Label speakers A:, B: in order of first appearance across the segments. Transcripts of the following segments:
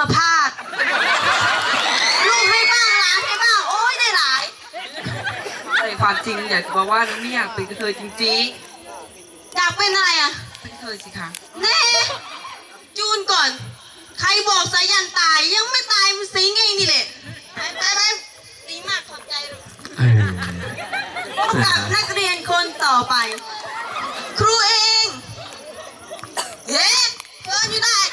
A: มาพาดลูกให้บ้างหลานให้บ้างโอ้ยได้หลาย
B: แต่ความจริงอยากจะบอกว่าไม่อยากเป็นกระเทยจริง
A: อยากเป็นอะไรอ่ะ
B: ๆเป็นกระเทยสิคะ
A: เน่จูนก่อนใครบอกสายันตายยังไม่ตายมันสิงเองนี่แหละไปดีมากขอบใจพบกับนักเรียนคนต่อไป ครูเองเฮ้เดินอยู่ได้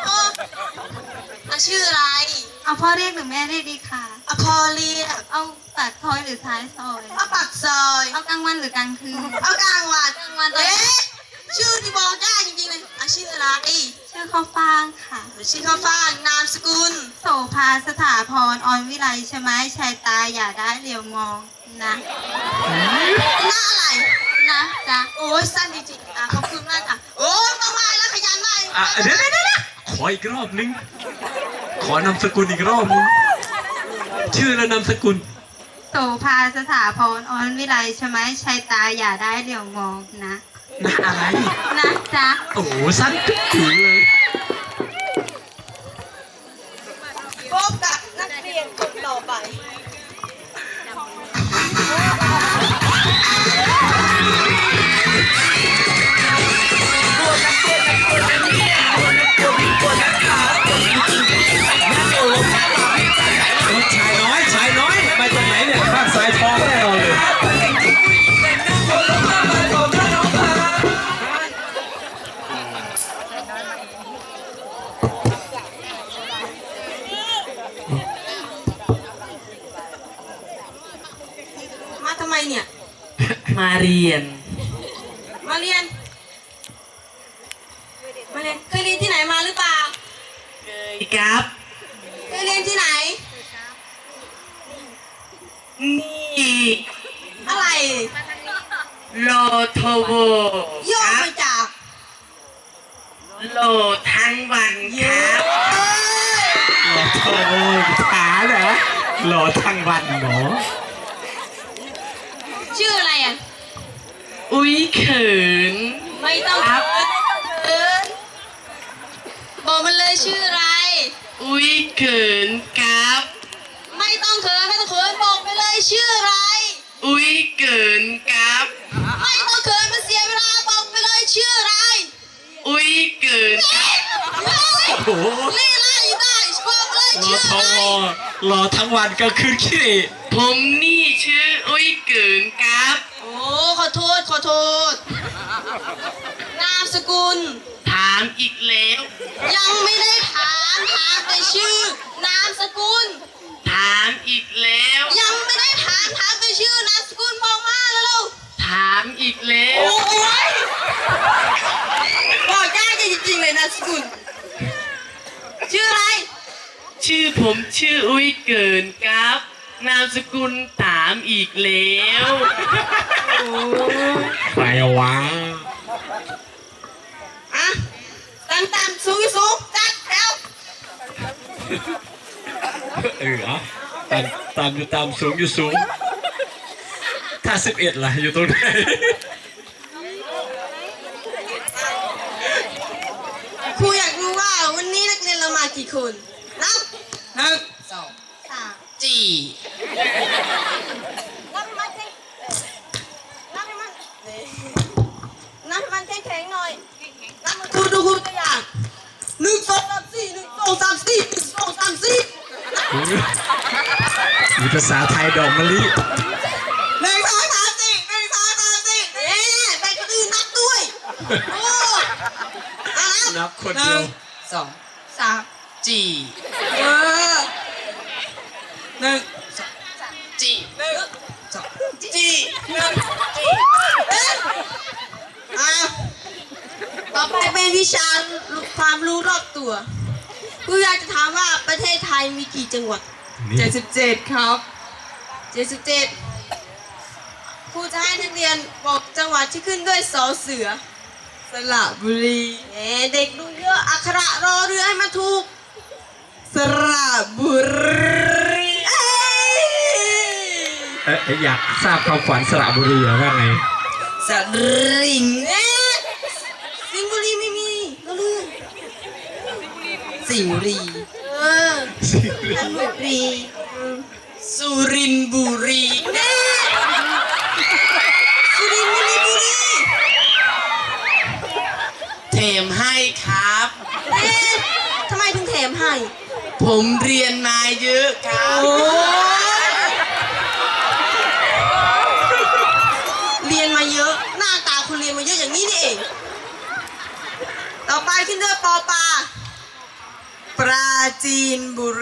A: ชื่ออะไร
C: เอาพ่อเรียกหรือแม่เรียกดีค่ะ
A: เอาพอเรียก
C: เอาปากซอยหรือท้ายซอย
A: เอาปากซอย
C: เอากลางวันหรือกลางคืน
A: เอากลางวันชื่อที่บอกได้จริงๆเลยชื่ออะไร
C: ชื่อข้าวฟ่างค่ะ
A: ชื่อข้าวฟ่างนามสกุล
C: โสภาสถาพรออนวิไลใช่ไหมชายตาอย่าได้เหลียวมองนะ
A: หน้าอะไร
C: นะจ๊ะ
A: โอ้ยสั้นจริงๆขอบคุณมากค่ะโอ้ยต้องมาแล้วขยันมาก
D: เดี๋ยวขออีกรอบนึงขอนามสกุลอีกรอบนึงชื่อและนามสกุล
C: โสภาสถาพรออนวิไลใช่ไหมชายตาอย่าได้เหลียวมองนะ
D: อะไร
C: นะจ๊ะ
D: โอ้โหสั้นจุ๊บจุ๋ยเลย
A: พบกับนักเรียนคนต่อไป
D: ชายน้อยมาจากไหนเนี่ยภาคสายทองแน่นอนเลย
A: มาทำไมเนี่ย
D: มาเรียน
A: เคยเรียนที่ไหนมาหรือเปล่า
D: เคยครับ
A: เคยเรียนที่ไหน
D: นี่
A: อะไร
D: โลโทโบ
A: ย่อมาจาก
D: โลทั้งวันครับโลโทโบขาเหรอโลทั้งวันเนาะ
A: ชื่ออะไรอ่ะ
D: อุ้ยเขิน
A: ไม่ต้องเขินบอกมันเลยชื่ออะไร
D: อุ้ยเขินครับ
A: ไม่ต้องเขินบอกไปเลยชื่ออะไร
D: อุ้ยเขินครับ
A: ไม่ต้องเขินมันเสียเวลาบอกไปเลยชื่ออะไร
D: อุ้ยเขินโอ้โห
A: นี่ไล่ได้บอกเลยชื่ออะไร
D: รอทั้งวันก็คือขี้ผมนี่ชื่ออุ้ยเขินครับ
A: โอ้ขอโทษนามสกุล
D: ถามอีกแล้ว
A: ยังไม่ได้ถามแต่ชื่อนามสกุล
D: ถามอีกแล้ว
A: ยังไม่ได้ถามแต่ชื่อนามสกุลบอกมาแล้ว
D: ถามอีกแล้ว
A: โอ้ยบอกได้จริงๆเลยนามสกุลชื่ออะไร
D: ชื่อผมชื่ออุ้ยเกินครับนามสกุลถามอีกแล้วไปวะ
A: ตามสูงจัดแถว
D: ตามอยู่ตามสูงอยู่สูงถ้า11ล่ะอยู่ตรงไหน
A: ครูอยากรู้ว่าวันนี้นักเรียนเรามากี่คนนับ
D: 1 2 3
A: นับมันแข็งๆหน่อยนับมันดูตัวอย่าง1 2 3 4 1 2 3 4 1 2 3 4
D: มีภาษาไทยดอกมะลิ
A: 1 2 3 4ไปคนอื่นนับด้วย
D: นับคนเดียว
A: 2 3
D: จี
A: 1 2
D: จี
A: ต่อไปเป็นวิชาความรู้รอบตัวครูอยากจะถามว่าประเทศไทยมีกี่จังหวัด77ครับ77ครูจะให้นักเรียนบอกจังหวัดที่ขึ้นด้วยสอเสือสระบุรีเด็กดูเยอะอักขระรอเรือให้มันถูกสระบุรี
D: อยากทราบความฝันสระบุรีหรือว่าไง
A: สริงสิงห์บุรีไม่มีเราเลือกสิงห์บุรีอ
C: จันทบุรี
D: สุรินทร์บุรี
A: แน่สุรินทร์บุรี
D: เทมให้ครับ
A: แน่ทำไมถึงแถมให้
D: ผมเรียนมาเยอะครับ
A: โอ้เรียนมาเยอะ หน้าตาคุณเรียนมาเยอะอย่างนี้นี่เอง ต่อไปขึ้นด้วยปอปลาปราจีนบุรี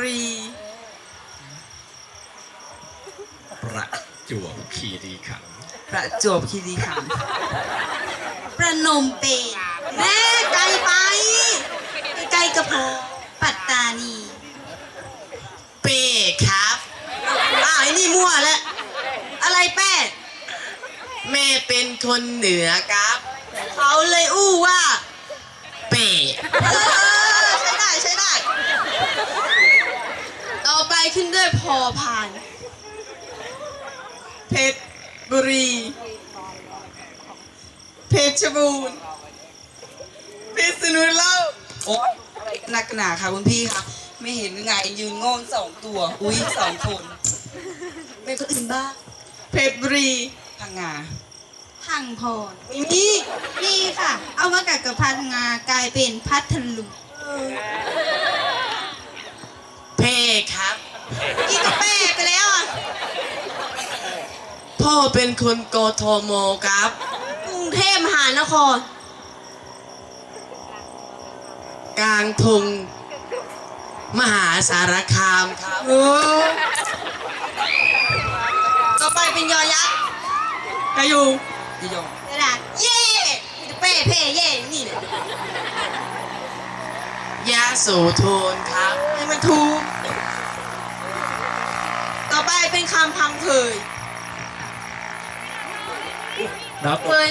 D: ประจวบคีรีขันธ์
B: ประจวบคีรีขันธ์
C: ประนมเปญ
A: แม่ไกลไปไกลกระเพาะ
C: ปัตตานี
D: เป้ครับ
A: อ้าวไอ้นี่มั่วแล้วอะไรแป้
D: แม่เป็นคนเหนือครับ
A: เขาเลยอู้ว่า
D: เป้
A: เออใช้ได้ใช้ได้ ต่อไปขึ้นด้วยพอพานเพชรบุรี เพชรบูรณ์พิษณุโลก
B: โอ๊ยอะไรกันนักหนาค่ะคุณพี่ครับ ไม่เห็นหรือไงยืนโง่2 ตัว อุ้ย2 คน
A: เป็นคนอื่นบ้างเพชรบุรี
B: พังงา
C: พังพร
A: ไม่มี
C: นี่ค่ะ เอามากัดกับพังงากลายเป็นพัทลุง
D: เป้ครับ
A: อีกกับแป้ไปแล้วอ่ะ
D: พ่อเป็นคนกทมครับ
A: กรุงเทพมหานคร
D: กลางทงมหาสารคามครับ
A: ต่อไปเป็นยอยักษ์กระยู
B: จะยอง
C: กระดาษ
A: เย่มีแต่เป้เพ่เย่นี่แหละ
D: ยะโสธรครับ
A: ให้มันถูก ต่อไปเป็นคำพังเพย
D: ครับ
A: เพย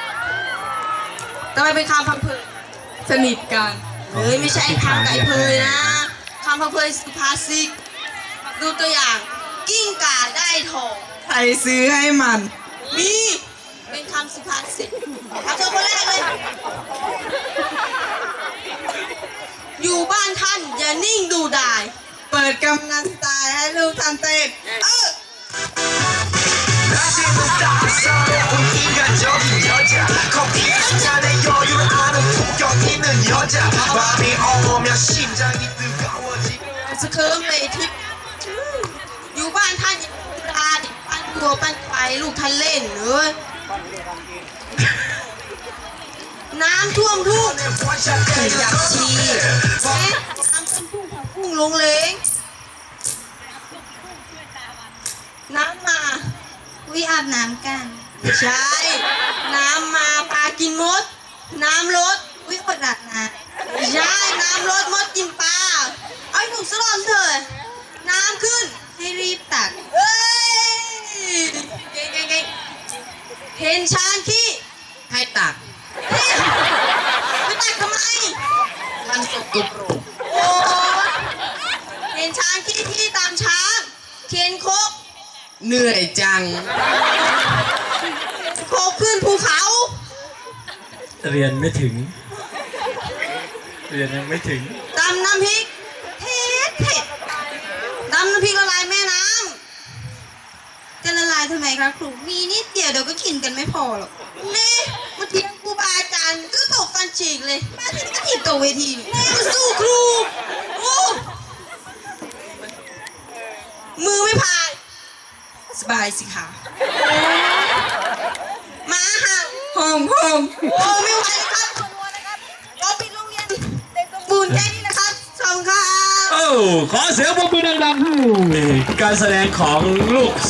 A: ต่อไปเป็นคำพังเพย
B: สนิทกัน
A: เฮ้ยไม่ใช่ไอ้พังไก่เพยนะคำพังเพยสุภาษิตดูตัวอย่าง กิ้งก่าได้ทอง
B: ใครซื้อให้มัน
A: มีเป็นคำสุภาษิตเอาเธอคนแรกเลย อยู่บ้านท่านอย่านิ่งดูดาย
B: เปิดกำนันสไตล์ให้ลูกทำเต้น
E: 낮에는 따스한 인간적인 여자 커피 한 잔에 여유를 아는 품격 있는 여자 밤이 오면 심장이 뜨거워지고
A: สะเคิมเลยทิพย์อยู่บ้านท่านอย่าดูดายปั้นตัวปั้นไปลูกท่านเล่นเอ้ยน้ำท่วมทุ่ง
E: อยากชี้
A: เอ๊ะน้ำท่วมทุ่งพุ่งลงเลงน้ำมา
C: วิอาบน้ำกัน
A: ไม่ใช่ น้ำมาปลากินมด น้ำลด
C: วิอดอาบน้
A: ไม่ใช่ น้ำลดมดกินปลา เอาให้ถูกสลอนเถอะน้ำขึ้น
C: ำให้รีบตัก
A: เฮ้ยเก่งเก่งเก่งเห็นช้างขี้
D: ให้ตัก
A: เฮ้ยไม่ตักทำไม
D: มันสกปรก
A: โอ้ยเห็นช้างขี้ที่ตามช้างเข็นโคก
D: เหนื่อยจัง
A: โคกขึ้นภูเขา
F: เรียนไม่ถึง เรียนยังไม่ถึง
A: ตำน้ำพริกเผ็ดเผ็ดตำน้ำพริกละลายแม่น้
C: จะละลายทำไมคะครู มีนิดเดียวเดี๋ยวก็กินกันไม่พอหรอก
A: ำนี่มาเถียงครูบาอาจารย์ก็ตกฟันฉีกเลย
C: มาที่นี่ก็ถีบตัวเวทีนี่
A: นี่มาสู้ครูโอ้มือไม่พาย
B: สบายสิค่ะ
A: หมาเห่า
B: ห้อง
A: โอ้ไม่ไหวแล้วครับก็ปิดโรงเรียนเด็กสมบูรณ์แค่นี้นะครับสวัสดีครับ
F: โอ้ ขอเสียงปรบมือดังๆให้การแสดงของลูก